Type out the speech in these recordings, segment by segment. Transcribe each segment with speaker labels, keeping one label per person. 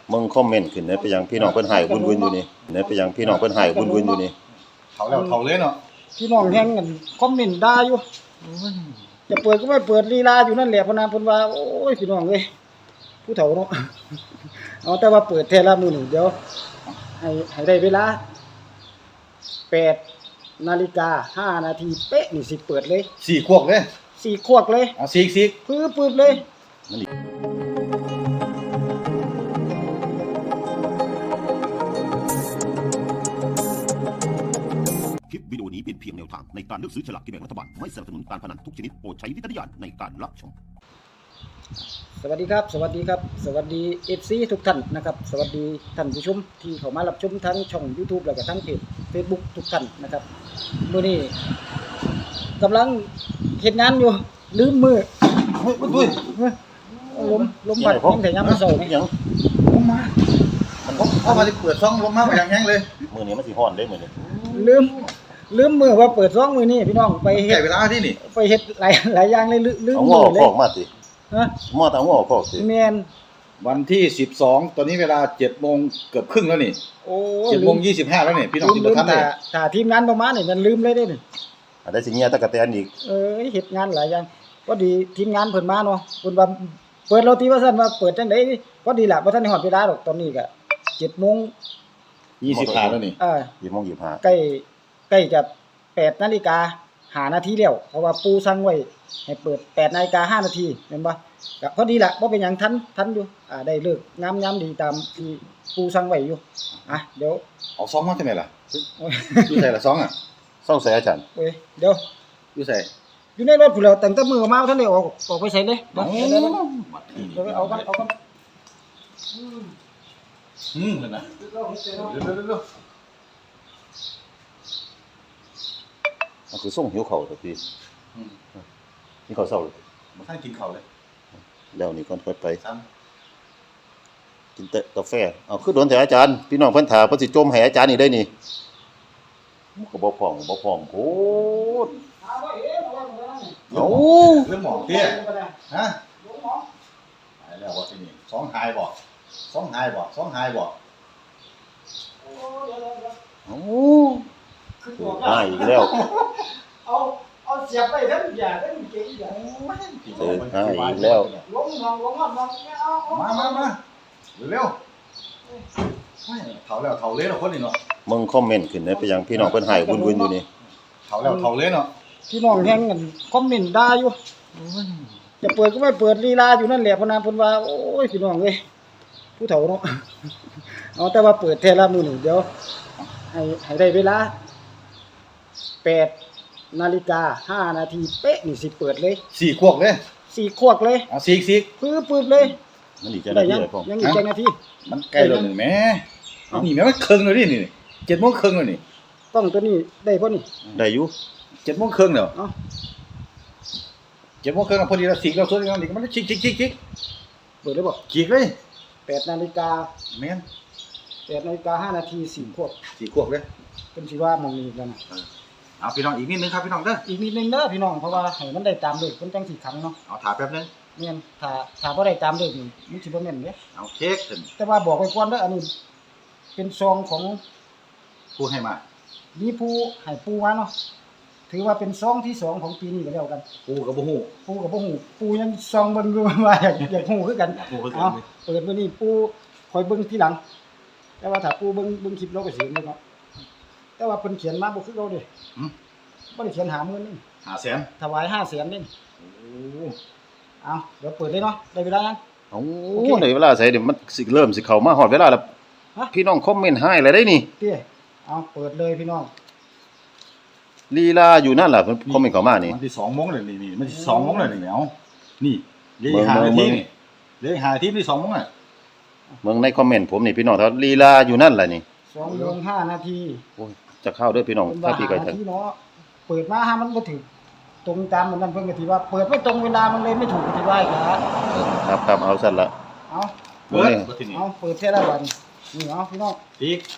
Speaker 1: มึงคอมเมนต์ขึ้นได้ไปยังพี่น้องเพิ่นให้วุ่นๆอยู่นี่ได้ไปยังพี่น้องเพิ่นให้วุ่นๆอยู่นี่
Speaker 2: เฒ่าแล้วเฒ่าเลยเนาะ
Speaker 3: พี่น้องแฮงกันคอมเมนต์ด่าอยู่จะเปิดก็ไม่เปิดลีลาอยู่นั่นแหละพนามเพิ่นว่าโอ้ยพี่น้องเอ้ยผู้เฒ่าเนาะเอาแต่ว่าเปิดแท้ละมื้อนี้เดี๋ยวให้ได้เวลา8 นาฬิกา 5 นาทีเป๊ะนี่สิเปิดเลย
Speaker 2: 4ขวบเลย
Speaker 3: 4ขวบเลย
Speaker 2: เอาซีก
Speaker 3: ปึ๊บๆเลย
Speaker 4: คลิปวิดีโอนี้เป็นเพียงแนวทางในการเลือกซื้อฉลากกินแบ่งรัฐบาลไม่สนับสนุนการพนันทุกชนิดโปรดใช้วิจารณญาณในการรับชม
Speaker 3: สวัสดีครับสวัสดี FC ทุกท่านนะครับสวัสดีท่านผู้ชมที่เข้ามารับชมทั้งช่อง YouTube แล้วก็ทั้งเพจ Facebook ทุกท่านนะครับมื้อนี้กำลังเฮ็ดงานอยู่ลืมมือ
Speaker 2: อุ้ย
Speaker 3: ลมพัดยังแต่ยามมื้อเช้านี่
Speaker 1: ยัง
Speaker 2: ลงมามันเข้ามาสิเปิดซ่องลงมาอย่างแห้งเลย
Speaker 1: มื้อนี้มันสิฮ้อนเด้มื้อนี้
Speaker 3: ลืมมือว่าเปิดซ่องมื้อนี้พี่น้องไปเฮ็ด
Speaker 2: เวลาที่นี่
Speaker 3: ไปเฮ็ดหลายอย่างเลยลืม
Speaker 1: มือเลยมาติ
Speaker 3: ฮะ
Speaker 1: มาตามหัวข้อสิ
Speaker 3: แม่น
Speaker 2: วันที่12ตอนนี้เวลา 7:00 นเกือบครึ่งแล้วนี่
Speaker 3: โอ้
Speaker 2: 7:25แล้วนี่พี่น้องที่บ่ทันได้
Speaker 3: ถ้าทีมงานบ่มานี่มันลืมเลยเด้นี่
Speaker 1: ได้สิเงียตะกะแตนอีก
Speaker 3: เฮ็ดงานหลายอย่างพอดีทีมงานเพิ่นมาเนาะเพิ่นว่าเปิดโรตีว่าซั่นว่าเปิดจังได๋พอดีล่ะบ่ทันได้ฮอดเวลาดอกตอนนี้ก็
Speaker 2: 7:25แล้วนี่
Speaker 1: 7:25
Speaker 3: ใกล้จะ8 นาฬิกา 5 นาทีแล้วเพราะว่าปู่สั่งไว้ให้เปิด8 นาฬิกา 5 นาทีแม่นบ่ก็พอดีล่ะบ่เป็นหยังทันอยู่ได้เลิกงามยามดีตามที่ปู่สั่งไว้อยู่เดี๋ยว
Speaker 2: เอาซองมาจังได๋ล่ะอยู่ไสล่ะซองอ่ะ
Speaker 1: ซองใส่อาจารย์
Speaker 3: เอ้ยเดี๋ยว
Speaker 2: อยู่ไส
Speaker 3: อยู่ในรถพุ่นแล้วตั้งแต่มื้อมาทันได้ออกไปไสเลยเดี๋ยวเอากัน
Speaker 2: นั่นนะเร็ว
Speaker 1: มันคือส่งหิวข้าวตัวพี่นี่ข้าวเช้าเลย
Speaker 2: บ่ทันกินข้าวเลย
Speaker 1: แล้วนี่ก่อนค่อยไปกินแต่กาแฟเอาคือโดนแต่อาจารย์พี่น้องเพิ่นถาเพิ่นสิจมให้อาจารย์นี่ได้นี่ก็บ่พร้อมโพด
Speaker 2: เอาเรื่องหมอเตี้ยฮะหายแล้วว่าที่นี่สองหายบ่
Speaker 1: โอ้หายอีกแล้ว
Speaker 3: เอาเสียบไปทั้งอย่าทั้งเก่งอย่า
Speaker 1: หายอีกแล้ว
Speaker 3: ลงเอา
Speaker 2: มาเร็วเฒ่าแล้วเฒ่าเลยเนาะคนนี้เนาะ
Speaker 1: มึงคอมเมนต์ขึ้นได้ไปยังพี่น้องเพิ่นให้วุ่นๆอยู่นี่
Speaker 2: เฒ่าแล้วเฒ่าเลยเนาะ
Speaker 3: พี่น้องแฮงกันคอมเมนต์ด่าอยู่จะเปิดก็ไม่เปิดลีลาอยู่นั่นแหละพนามเพิ่นว่าโอ้ยพี่น้องเอ้ยผู้เฒ่าเนาะเอาแต่ว่าเปิดแท้ละมื้อนี้เดี๋ยวให้ได้เวลา8 นาฬิกา 5 นาทีเป๊ะนี่สิเปิดเลย
Speaker 2: 4ขวบเลย
Speaker 3: 4ขวบเลย
Speaker 2: เอาซีก
Speaker 3: ปึ๊บเลย
Speaker 1: มันอีกจังนาทีเลยพ่อ
Speaker 3: ยังอีกจังนาที
Speaker 2: มันใกล้แล้วนี่แม่นี่แม่มันครึ่งแล้วนี่7:00 นครึ่งแล้วนี่
Speaker 3: ต้องตัวนี้ได้บ่นี่
Speaker 1: ได้อยู่
Speaker 2: 7:00 นครึ่งแล้ว7:00 นครึ่งพอดีแล้วซีกแล้วส่วนนี้มันชิก
Speaker 3: เปิดได้บ่
Speaker 2: ฉีกเลย
Speaker 3: 8 นาฬิกา
Speaker 2: แม่น
Speaker 3: 8 นาฬิกา 5 นาที4ขวบ
Speaker 2: เลย
Speaker 3: เพิ่นสิว่ามองนี้กัน
Speaker 2: เอาพี่น้องอีกนิดนึงครับพี่น้องเด้อ
Speaker 3: อีกนิดนึงเด้อพี่น้องเพราะว่าให้มันได้ตามเลขเพิ่นจังสิขังเนาะ
Speaker 2: เอาถ่าแป๊บนึง
Speaker 3: แม่นถ้าบ่ได้ตามเลขนี่มันสิบ่แม่นเด้
Speaker 2: เอาเค้กขึ้น
Speaker 3: แต่ว่าบอกไว้ก่อนเด้ออันนี้เป็นซองของ
Speaker 2: ผู้ให้มา
Speaker 3: มีผู้ให้ปูมาเนาะถือว่าเป็นซองที่2ของปีนี้ก็แล้วกัน
Speaker 2: ปูก็บ่ฮู้
Speaker 3: ปูยังซองเบิ่งอยู่ว่าอยากฮู้คือกันเอาเปิดมื้อนี้ปูคอยเบิ่งทีหลังแต่ว่าถ้าปูเบิ่งคลิปเราก็สิเห็นเลยเนาะแต่ว่าเพิ่นเขียนมาบ่คือเก่าเด้บ่ได้เขียน50,000นึง
Speaker 2: 500,000
Speaker 3: ถวาย500,000นี่โอ้เอาเดี๋ยวเปิดเลยเนาะได้เวลายัง
Speaker 1: โอ้ได้เวลาใส่เดี๋ยวมันสิเริ่มสิเข้ามาฮอดเวลาแล้วพี่น้องคอมเมนต์ให้แล้วได้นี่
Speaker 3: เตี้ยเอาเปิดเลยพี่น้อง
Speaker 1: ลีลาอยู่นั่นล่ะเพิ่นคอมเมนต์เข้ามานี่
Speaker 2: มันสิ2:00 นเลยนี่มันสิ2:00 นเลยนี่เอานี่เลข5นาทีนี่เลข5นาทีนี่2:00 นอ่ะ
Speaker 1: เบิ่งในคอมเมนต์ผมนี่พี่น้องถ้าลีลาอยู่นั่นล่ะนี่
Speaker 3: 2:05 นาที
Speaker 1: โอ้ยจะเข้าเด้อพี่น้องถ้าพี่ก็ทัน
Speaker 3: เนาะเปิดมาหามันบ่ถึงตรงตามมันนั่นเพิ่นก็สิว่าเปิดไม่ตรงเวลามันเลยไม่ถูกก็สิว่าอีก
Speaker 1: ครับเอาซั่นล่ะ
Speaker 3: เอาเปิดแท้ละบัดนี่เอาพี่น้อง
Speaker 2: อีก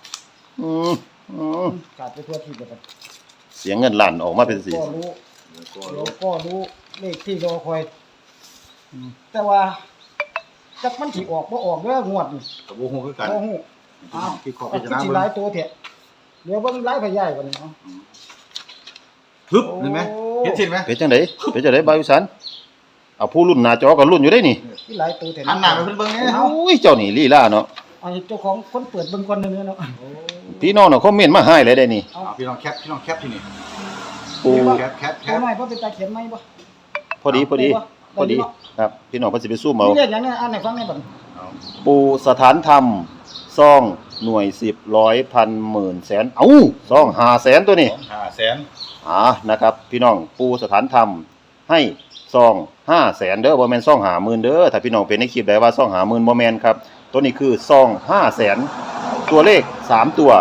Speaker 3: กาดไปทั่วที่เบิด
Speaker 1: เสียงเงินล้านออกมาเป็นสิ
Speaker 3: ก็รู้เลขที่รอคอยแต่ว่าจักมันสิออกบ่ออกเด้องวดนี่
Speaker 2: กับวงหูคือกัน
Speaker 3: บ่ฮู้อ้าว
Speaker 2: ที่ขอ
Speaker 3: เอา
Speaker 2: พิ
Speaker 3: คือ
Speaker 2: จารณา
Speaker 3: สิ
Speaker 2: เบิ่
Speaker 3: หลาย
Speaker 2: ง
Speaker 3: ตัวแท้เดี๋ยวเบิ่งหลายพยายกว่านี้เนาะ
Speaker 2: ฮึบเห็นไหมเห็นสิไหม
Speaker 1: เป็นจังไดเป็นจังไดบ่าวอีสานเอาผู้รุ่นหน้าจอก็รุ่นอยู่ได้นี่
Speaker 3: ที่หลายตัวแท้
Speaker 2: หันหน้าไปเพิ่นเบิ่งเนี่ย
Speaker 1: โอ้ยเจ้านี่ลีลาเนาะ
Speaker 3: เอาให้เจ้าของคนเปิดเบิ่งก่อนเด้อเนาะ
Speaker 1: พี่น้องเนาะคอมเมนต์มาให้เลยได้นี่
Speaker 3: เอา
Speaker 2: พี่น้องแคปที่นี่
Speaker 1: ปู
Speaker 2: แคป
Speaker 3: เอาหน่อยบ่เป็นตาเขียนไหมบ่
Speaker 1: พอดีครับพี่น้องเพิ่นสิไปซูมเอา
Speaker 3: มีเลขหยังเนี่ยอ่านให้ฟังได้บ่
Speaker 1: ปูสถานธรรมซองหน่วย10ร้อยพันหมื่นแสนเอ้าซอง500,000ตัวนี้
Speaker 2: 500,000
Speaker 1: นะครับพี่น้องปูสถานธรรมให้ซอง500,000เด้อบ่แม่นซอง50,000เด้อถ้าพี่น้องเป็นในคลิปได้ว่าซอง50,000บ่แม่นครับตัวนี้คือซอง500,000ตัวเลข3ตัว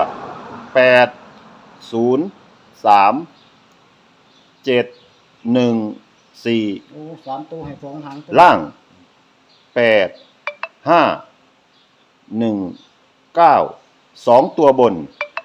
Speaker 1: 8 0 3 7 1 4
Speaker 3: โอ้3ตัวให้2หาง
Speaker 1: ล่าง8 5 1 9 2ตัวบน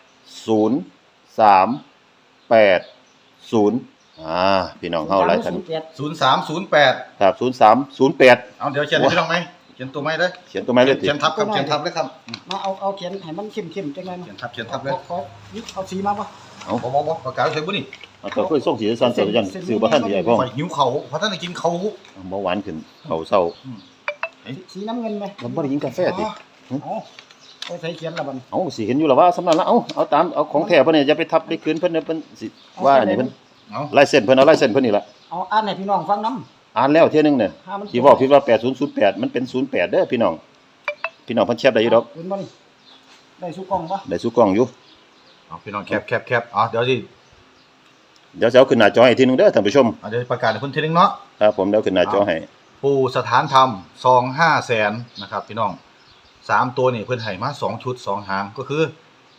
Speaker 1: 0 3 8 0พี่น้องเฮาหลายท่าน
Speaker 2: 0308
Speaker 1: ครับ03 08
Speaker 2: เอาเดี๋ยวเขียนให้พี่น้องไหมเขียนตัวไหมเลย
Speaker 1: เขียนตัวไม้เลยติ
Speaker 2: เขียนทับครับเขียนทับเลยครับ
Speaker 3: มาเอาเขียนให้มันเข้มๆจังได๋
Speaker 2: เขียนทับเลย
Speaker 3: ขอนี่เอาสีมาบ่
Speaker 2: บ่ปากกาใส่บุนี่
Speaker 1: เอาตัวค่อยส่งสีสันเสร็จยันซื้อบ่ทันสิได้พ่อ
Speaker 2: ข่อยหิวเขาเพราะท่านได้กินเขา
Speaker 1: บ่หวานขึ้นเขาเศร้า
Speaker 3: สีน้ำเงินไหม
Speaker 1: มันบ่ได้กินกาแฟติ
Speaker 3: เอาใส่เขียนละบัด
Speaker 1: เอาสิเห็นอยู่แล้วว่าสำนักละเอาตามเอาของแท้เพิ่นเนี่ยอย่าไปทับได้คืนเพิ่นเนี่ยเพิ่นสิว่าอันนี้เพิ่น
Speaker 2: เอา
Speaker 1: ลายเส้นเพิ่นเอาลายเส้นเพิ่นนี่ล่ะ
Speaker 3: เอาอ่านให้พี่น้องฟังนำ
Speaker 1: อ่านแล้วเที่ยนึงเนี่ย
Speaker 3: ถ้ามัน
Speaker 1: ที่บอกพี่ว่า8008มันเป็น08เด้อพี่น้องเพิ่นแคปได้อยู่ดอก
Speaker 3: เห็นบ่นี่ได้สุกล่องบ่
Speaker 1: ได้สู้กล้องอยู่
Speaker 2: เอาพี่น้องแคปเดี๋ยวสิ
Speaker 1: เดี๋ยวจะเอาขึ้นหน้าจอให้ทีนึงเด้อท่านผู้ชม
Speaker 2: เดี๋ยวประกาศให้เพิ่นทีนึงเนาะ
Speaker 1: ครับผมเดี๋ยวขึ้นหน้าจอให้
Speaker 2: ปู่สถานธรรมซอง500,000นะครับพี่น้อง3ตัวนี่เพิ่นให้มา2ชุด2หางก็คือ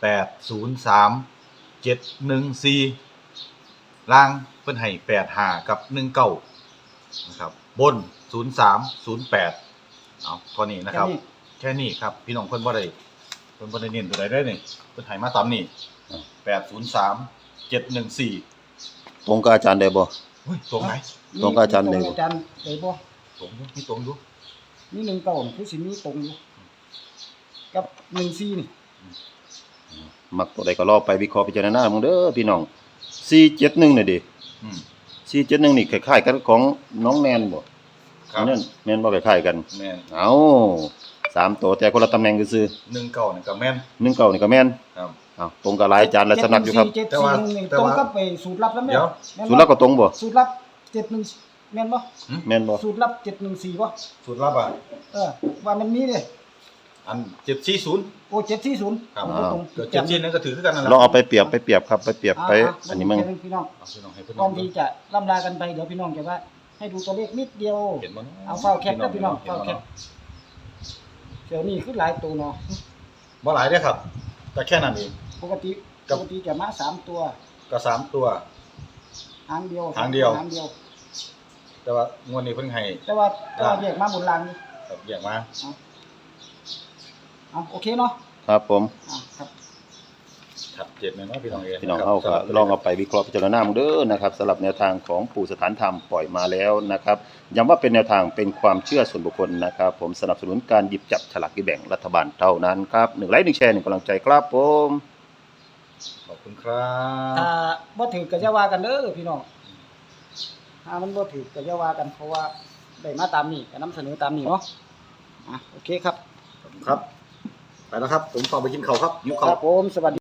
Speaker 2: 803 714ล่างเพิ่นให้85กับ19นะครับบน0308เอาเท่านี้นะครับแค่นี้ครับพี่น้องเพิ่นบ่ได้เน้นตัวใดได้นี่เพิ่นให้มาตามนี่803 714
Speaker 1: ตรงกับอาจารย์ได้บ่
Speaker 2: เฮ้ยตรงไหน
Speaker 1: ตรงกับอาจารย์เลย
Speaker 3: อาจารย์ได้บ่
Speaker 2: ตรงอยู่มีตรงอยู่
Speaker 3: มี1เก้านี่คือสิมีตรงอยู่กับ14นี่
Speaker 1: มักตัวใดก็รอไปวิเคราะห์พิจารณามึงเด้อพี่น้อง471นี่ดิ
Speaker 2: อืม
Speaker 1: 471นี่คล้ายๆกันของน้องแนนบ่
Speaker 2: ครับ
Speaker 1: นั่นแม่นบ่คล้ายๆกัน
Speaker 2: แม่น
Speaker 1: เอา3ตัวแต่คนละตำแหน่งซื่อ
Speaker 2: 19นี่ก็แม่น
Speaker 1: ๆ19นี่ก็แม่น
Speaker 2: ครับ
Speaker 1: เอาตรงกับหลายอาจารย์หลายสำนักอยู่ครับ
Speaker 2: แต่ว่า
Speaker 3: ตรงกับไปสูตรลับแล้วแม่
Speaker 2: เดี๋ยว
Speaker 3: แม่นบ่
Speaker 1: สุดแล้วก็ตรงบ่
Speaker 3: สูตรลับ71แม่นบ่
Speaker 1: แม่นบ่
Speaker 3: สูตรลับ714บ่
Speaker 2: สูตรลับอ่ะ
Speaker 3: ว่ามันมีเด้
Speaker 2: อัน740
Speaker 3: โอ้740
Speaker 2: ครับ
Speaker 3: ตรง
Speaker 2: เกิด740นั่นก็ถือคือกันนั่นแหละ
Speaker 1: ลองเอาไปเปรียบครับไปเปรียบไปอันนี้มึง
Speaker 3: พี่น้อง
Speaker 2: เอาพี่น้องให้เพิ่น
Speaker 3: ก่อนที่จะล่ำลากันไปเดี๋ยวพี่น้องจะว่าให้ดูตัวเลขนิดเดียว
Speaker 2: เห็นบ่
Speaker 3: เอาเฝ้าแคปนะพี่น้องเฝ้าแคปเดี๋ยวนี้คือหลายตัวเนาะ
Speaker 2: บ่หลายเด้อครับก็แค่นั้นเอง
Speaker 3: ปกติจะมา3ตัว
Speaker 2: ก็3ตัว
Speaker 3: หางเดียว
Speaker 2: หางเดียว
Speaker 3: หางเดียว
Speaker 2: แต่ว่างวดนี้เพิ่นให้
Speaker 3: แต่ว่าแยกมาบนรางนี่
Speaker 2: ครับแยกมา
Speaker 3: เอาโอเคเนาะ
Speaker 1: ครับผม
Speaker 3: ครับ
Speaker 2: ชัดเจนเลยเนาะพี่น้องเอง
Speaker 1: พี่น้องเฮาก็ลองเอาไปวิเคราะห์พิจารณามึงเด้อนะครับสำหรับแนวทางของปู่สถานธรรมปล่อยมาแล้วนะครับย้ำว่าเป็นแนวทางเป็นความเชื่อส่วนบุคคลนะครับผมสนับสนุนการหยิบจับฉลากกินแบ่งรัฐบาลเท่านั้นครับ1ไลค์1แชร์1กำลังใจครับผม
Speaker 2: ขอบคุณครับ
Speaker 3: ถ้าบ่ถือก็จะว่ากันเด้อพี่น้องถ้ามันบ่ถือก็จะว่ากันเพราะว่าได้มาตามนี้ก็นำเสนอตามนี้เนาะโอเคครับ
Speaker 2: ครับไปแล้วครับผมขอไปกินข้าวครับหิว
Speaker 3: ค
Speaker 2: ข้าว
Speaker 3: รับผมสวัสดี